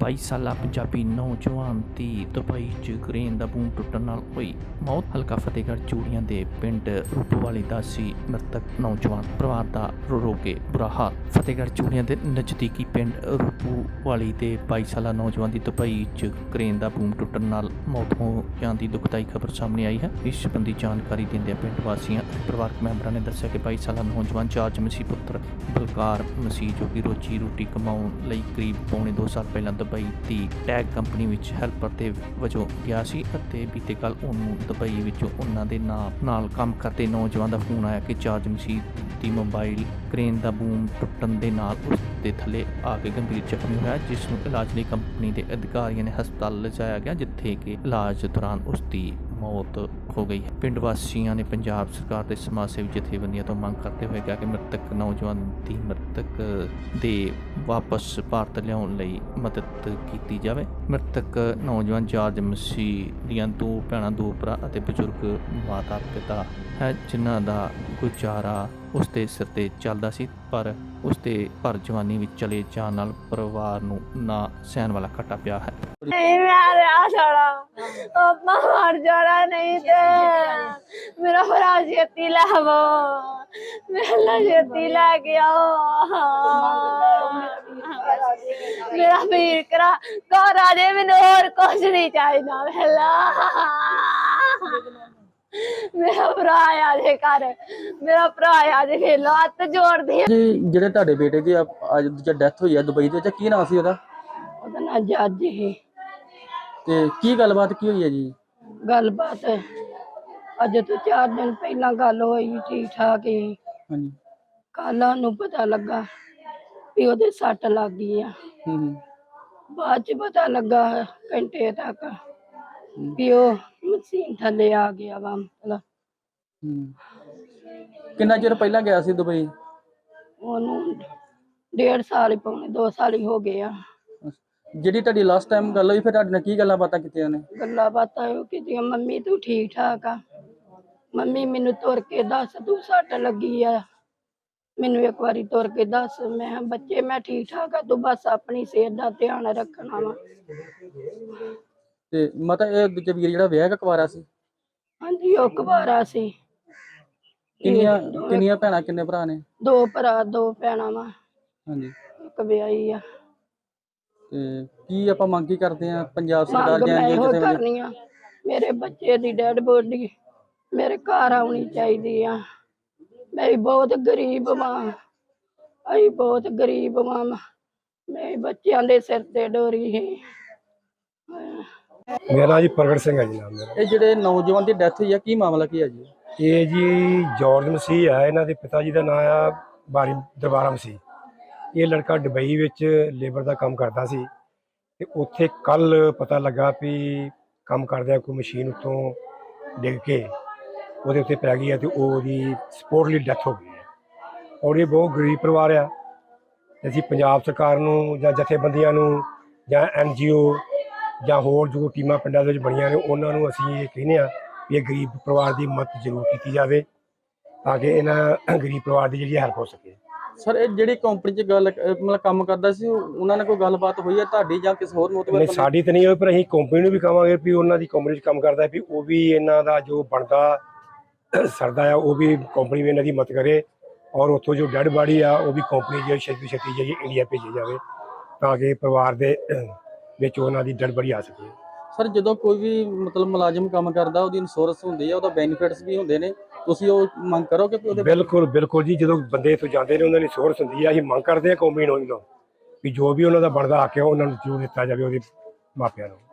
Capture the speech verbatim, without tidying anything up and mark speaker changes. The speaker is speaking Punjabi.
Speaker 1: बाईस साला पंजाबी नौजवान की दुबई च क्रेन का बूम टुटन नाल होई मौत। हल्का फतेहगढ़ चूड़ियां दे पिंड रूपोवाली दा सी मृतक नौजवान परिवार दा रो रो के बुरा हाल। फतेहगढ़ चूड़ियां दे नज़दीकी पिंड रूपोवाली दे बाईस साला नौजवान की दुबई च क्रेन का बूम टुटन नाल मौत हो जाने की दुखदाई खबर सामने आई है। इस संबंधी जानकारी देंदे पिंड वासियों परिवारक मैंबरों ने दस्सिया कि बाईस साला नौजवान जार्ज मसीह पुत्र बलकार मसीह जो कि रोजी रोटी कमाउण लई करीब पौने दो साल पहला दुबई की टैग कंपनी विच हैल्पर दे वजों गया सी ਅਤੇ बीते कल ਉਹਨੂੰ दुबई ਵਿੱਚੋਂ ਉਹਨਾਂ ਦੇ ਨਾਲ ਕੰਮ ਕਰਦੇ ਨੌਜਵਾਨ ਦਾ ਫੋਨ ਆਇਆ ਕਿ ਜਾਰਜ ਮਸੀਹ ਦੀ ਮੋਬਾਈਲ ਕ੍ਰੇਨ ਦਾ ਬੂਮ ਟੁੱਟਣ ਦੇ ਨਾਲ ਉਸ ਦੇ ਥੱਲੇ ਆ ਕੇ ਗੰਭੀਰ ਜ਼ਖਮੀ ਹੋਇਆ, ਜਿਸ ਨੂੰ ਇਲਾਜ ਲਈ ਕੰਪਨੀ ਦੇ ਅਧਿਕਾਰੀਆਂ ਨੇ ਹਸਪਤਾਲ ਲਿਜਾਇਆ ਗਿਆ, ਜਿੱਥੇ ਕਿ ਇਲਾਜ ਦੌਰਾਨ ਉਸ ਦੀ मौत हो गई है। पिंड वासियों ने पंजाब सरकार के समाज सेवी जथेबंदियों तो मंग करते हुए कहा कि मृतक नौजवान की मृतक दे वापस भारत लियाउण लई मदद की जाए। मृतक नौजवान जार्ज मसीह दियां दो भैणां दो भरा अते बजुर्ग माता पिता है, जिन्हां दा गुजारा उसके सिर ते चलदा सी, पर उसके भर जवानी में चले जाण नाल परिवार नूं ना सहण वाला घाटा पिया है।
Speaker 2: नहीं मैं रहा छोड़ा अपना मर जाना नहीं थे मेरा भरा छेती लावो मेरा छेती ला गया मेरा वीर करा घर आ जाए, मैंने और कुछ नहीं चाहिए पहला मेरा भरा आ जाए घर मेरा भरा आ जाए खेलो हथ जोड़ दी
Speaker 3: जी। ਜਿਹੜੇ ਤੁਹਾਡੇ ਬੇਟੇ ਦੀ ਅੱਜ ਦੀ ਡੈਥ ਹੋਈ ਹੈ ਦੁਬਈ ਦੇ ਵਿੱਚ, ਕੀ ਨਾਮ ਸੀ ਉਹਦਾ?
Speaker 2: ਉਹਦਾ ਨਾਂ ਜੱਜ ਹੀ।
Speaker 3: ਤੇ ਕੀ ਗੱਲਬਾਤ ਕੀ ਹੋਈ ਹੈ ਜੀ?
Speaker 2: ਗੱਲਬਾਤ ਅੱਜ ਤੋਂ ਚਾਰ ਦਿਨ ਪਹਿਲਾਂ ਗੱਲ ਹੋਈ, ਠੀਕ ਠਾਕ ਹੀ।
Speaker 3: ਹਾਂਜੀ।
Speaker 2: ਕੱਲ ਨੂੰ ਪਤਾ ਲੱਗਾ ਵੀ ਉਹਦੇ ਸੱਟ ਲੱਗ ਗਈ ਆ।
Speaker 3: ਹੂੰ।
Speaker 2: ਬਾਅਦ ਚ ਪਤਾ ਲੱਗਾ ਘੰਟੇ ਤੱਕ ਵੀ ਉਹ ਮਸ਼ੀਨ ਥੱਲੇ ਆ ਗਿਆ ਵਾ। ਮਤਲਬ
Speaker 3: ਹੂੰ। ਕਿੰਨਾ ਚਿਰ ਪਹਿਲਾਂ ਗਿਆ ਸੀ ਦੁਬਈ?
Speaker 2: ਉਹਨੂੰ ਡੇਢ ਸਾਲ ਹੀ ਪੌਣੇ ਦੋ ਸਾਲ ਹੀ ਹੋ ਗਏ ਆ।
Speaker 3: ਜਿਹੜੀ ਤੁਹਾਡੀ ਲਾਸਟ ਟਾਈਮ ਗੱਲ ਹੋਈ, ਫਿਰ ਤੁਹਾਡੇ ਨਾਲ ਕੀ ਗੱਲਾਂ ਬਾਤਾਂ ਕੀਤੀਆਂ ਨੇ?
Speaker 2: ਗੱਲਾਂ ਬਾਤਾਂ ਉਹ ਕੀਤੀਆਂ, ਮੰਮੀ ਤੂੰ ਠੀਕ ਠਾਕ ਆ, ਮੰਮੀ ਮੈਨੂੰ ਤੁਰ ਕੇ ਦੱਸ ਤੂੰ ਸੱਟ ਲੱਗੀ ਆ, ਮੈਨੂੰ ਇੱਕ ਵਾਰੀ ਤੁਰ ਕੇ ਦੱਸ। ਮੈਂ ਕਿਹਾ ਬੱਚੇ ਮੈਂ ਠੀਕ ਠਾਕ ਆ, ਤੂੰ ਬਸ ਆਪਣੀ ਸਿਹਤ ਦਾ ਧਿਆਨ ਰੱਖਣਾ ਵਾ।
Speaker 3: ਤੇ ਮਤਲਬ ਇਹ ਦੂਜੇ ਵੀਰ ਜਿਹੜਾ ਵਿਆਹ ਕਕਵਾਰਾ ਸੀ?
Speaker 2: ਹਾਂਜੀ ਉਹ ਕੁਵਾਰਾ ਸੀ।
Speaker 3: ਕਿੰਨੀਆਂ ਕਿੰਨੀਆਂ ਭੈਣਾਂ ਕਿੰਨੇ ਭਰਾ ਨੇ?
Speaker 2: ਦੋ ਭਰਾ ਦੋ ਭੈਣਾਂ ਵਾ।
Speaker 3: ਹਾਂਜੀ।
Speaker 2: ਇੱਕ ਵਿਆਹੀ ਆ।
Speaker 3: ਤੇ ਕੀ ਆਪਾਂ ਮੰਗ ਕੀ ਕਰਦੇ ਆ ਪੰਜਾਬ ਸਰਕਾਰ
Speaker 2: ਮੰਗ
Speaker 3: ਜਾਂ
Speaker 2: ਮੈਂ ਇਹੋ
Speaker 3: ਕਿਸੇ
Speaker 2: ਕਰਨੀ ਆ, ਮੇਰੇ ਬੱਚੇ ਦੀ ਡੈਡ ਬੋਡੀ ਮੇਰੇ ਘਰ ਆਉਣੀ ਚਾਹੀਦੀ ਆ। ਮੈਂ ਬਹੁਤ ਗਰੀਬ ਵਾਂ, ਅਸੀਂ ਬਹੁਤ ਗਰੀਬ ਵਾਂ, ਮੈਂ ਬੱਚਿਆਂ ਦੇ ਸਿਰ ਤੇ ਡੋਰੀ ਹੈ।
Speaker 4: ਮੇਰਾ ਜੀ ਪ੍ਰਗਟ ਸਿੰਘ ਹੈ ਜੀ ਨਾਮ ਮੇਰਾ।
Speaker 3: ਇਹ ਜਿਹੜੇ ਨੌਜਵਾਨ ਦੀ ਡੈਥ ਹੋਈ ਆ, ਕੀ ਮਾਮਲਾ ਕੀ ਹੈ ਜੀ?
Speaker 4: ਇਹ ਜੀ ਜਾਰਜ ਮਸੀਹ ਹੈ, ਇਹਨਾਂ ਦੇ ਪਿਤਾ ਜੀ ਦਾ ਨਾਮ ਆ ਬਾਰੀ ਦਰਬਾਰਾ ਮਸੀਹ। ਇਹ ਲੜਕਾ ਦੁਬਈ ਵਿੱਚ ਲੇਬਰ ਦਾ ਕੰਮ ਕਰਦਾ ਸੀ ਤੇ ਉੱਥੇ ਕੱਲ ਪਤਾ ਲੱਗਾ ਵੀ ਕੰਮ ਕਰਦਿਆਂ ਕੋਈ ਮਸ਼ੀਨ ਉੱਤੋਂ ਡਿੱਗ ਕੇ ਉਹਦੇ ਉੱਤੇ ਪੈ ਗਈ ਹੈ ਤੇ ਉਹਦੀ ਸਪੋਰਟਲੀ ਡੈਥ ਹੋ ਗਈ ਹੈ। ਔਰ ਇਹ ਬਹੁਤ ਗਰੀਬ ਪਰਿਵਾਰ ਆ। ਅਸੀਂ ਪੰਜਾਬ ਸਰਕਾਰ ਨੂੰ ਜਾਂ ਜਥੇਬੰਦੀਆਂ ਨੂੰ ਜਾਂ ਐਨ ਜੀ ਓ ਜਾਂ ਹੋਰ ਜੋ ਟੀਮਾਂ ਪਿੰਡਾਂ ਦੇ ਵਿੱਚ ਬਣੀਆਂ ਨੇ ਉਹਨਾਂ ਨੂੰ ਅਸੀਂ ਇਹ ਕਹਿੰਦੇ ਹਾਂ ਵੀ ਇਹ ਗਰੀਬ ਪਰਿਵਾਰ ਦੀ ਮਦਦ ਜ਼ਰੂਰ ਕੀਤੀ ਜਾਵੇ ਤਾਂ ਕਿ ਇਹਨਾਂ ਗਰੀਬ ਪਰਿਵਾਰ ਦੀ ਜਿਹੜੀ ਹੈਲਪ ਹੋ ਸਕੇ।
Speaker 3: ਸਰ ਇਹ ਜਿਹੜੀ ਕੰਪਨੀ 'ਚ ਗੱਲ ਮਤਲਬ ਕੰਮ ਕਰਦਾ ਸੀ, ਉਹਨਾਂ ਨਾਲ ਕੋਈ ਗੱਲਬਾਤ ਹੋਈ ਹੈ ਤੁਹਾਡੀ ਜਾਂ ਕਿਸੇ ਹੋਰ ਮੋਤਬਰ?
Speaker 4: ਨਹੀਂ ਸਾਡੀ ਤਾਂ ਨਹੀਂ ਹੋਈ, ਪਰ ਅਸੀਂ ਕੰਪਨੀ ਨੂੰ ਵੀ ਕਹਾਂਗੇ ਵੀ ਉਹਨਾਂ ਦੀ ਕੰਪਨੀ 'ਚ ਕੰਮ ਕਰਦਾ ਵੀ ਉਹ ਵੀ ਇਹਨਾਂ ਦਾ ਜੋ ਬਣਦਾ ਸਰਦਾ ਆ ਉਹ ਵੀ ਕੰਪਨੀ ਵੀ ਇਹਨਾਂ ਦੀ ਮਦਦ ਕਰੇ ਔਰ ਉੱਥੋਂ ਜੋ ਡੈਡ ਬਾਡੀ ਆ ਉਹ ਵੀ ਕੰਪਨੀ ਜਿਹੜੀ ਛੇਤੀ ਛੇਤੀ ਜਿਹੜੀ ਇੰਡੀਆ ਭੇਜੀ ਜਾਵੇ ਤਾਂ ਕਿ ਪਰਿਵਾਰ ਦੇ ਵਿੱਚ ਉਹਨਾਂ ਦੀ ਡੈਡ ਬਾਡੀ ਆ ਸਕੇ।
Speaker 3: ਸਰ ਜਦੋਂ ਕੋਈ ਵੀ ਮਤਲਬ ਮੁਲਾਜ਼ਮ ਕੰਮ ਕਰਦਾ ਉਹਦੀ ਇੰਸ਼ੋਰੈਂਸ ਹੁੰਦੀ ਹੈ, ਉਹਦਾ ਬੈਨੀਫਿਟਸ ਵੀ ਹੁੰਦੇ ਨੇ, ਤੁਸੀਂ ਉਹ ਮੰਗ ਕਰੋਗੇ ਕਿ ਉਹਦੇ?
Speaker 4: ਬਿਲਕੁਲ ਬਿਲਕੁਲ ਜੀ, ਜਦੋਂ ਬੰਦੇ ਇੱਥੋਂ ਜਾਂਦੇ ਨੇ ਉਹਨਾਂ ਦੀ ਇੰਸ਼ੋਰੈਂਸ ਹੁੰਦੀ ਆ। ਅਸੀਂ ਮੰਗ ਕਰਦੇ ਹਾਂ ਕੰਪਨੀ ਨੂੰ ਵੀ ਜੋ ਵੀ ਉਹਨਾਂ ਦਾ ਬਣਦਾ ਹੱਕ ਹੈ ਉਹਨਾਂ ਨੂੰ ਜ਼ਰੂਰ ਦਿੱਤਾ ਜਾਵੇ ਉਹਦੇ ਮਾਪਿਆਂ ਨੂੰ।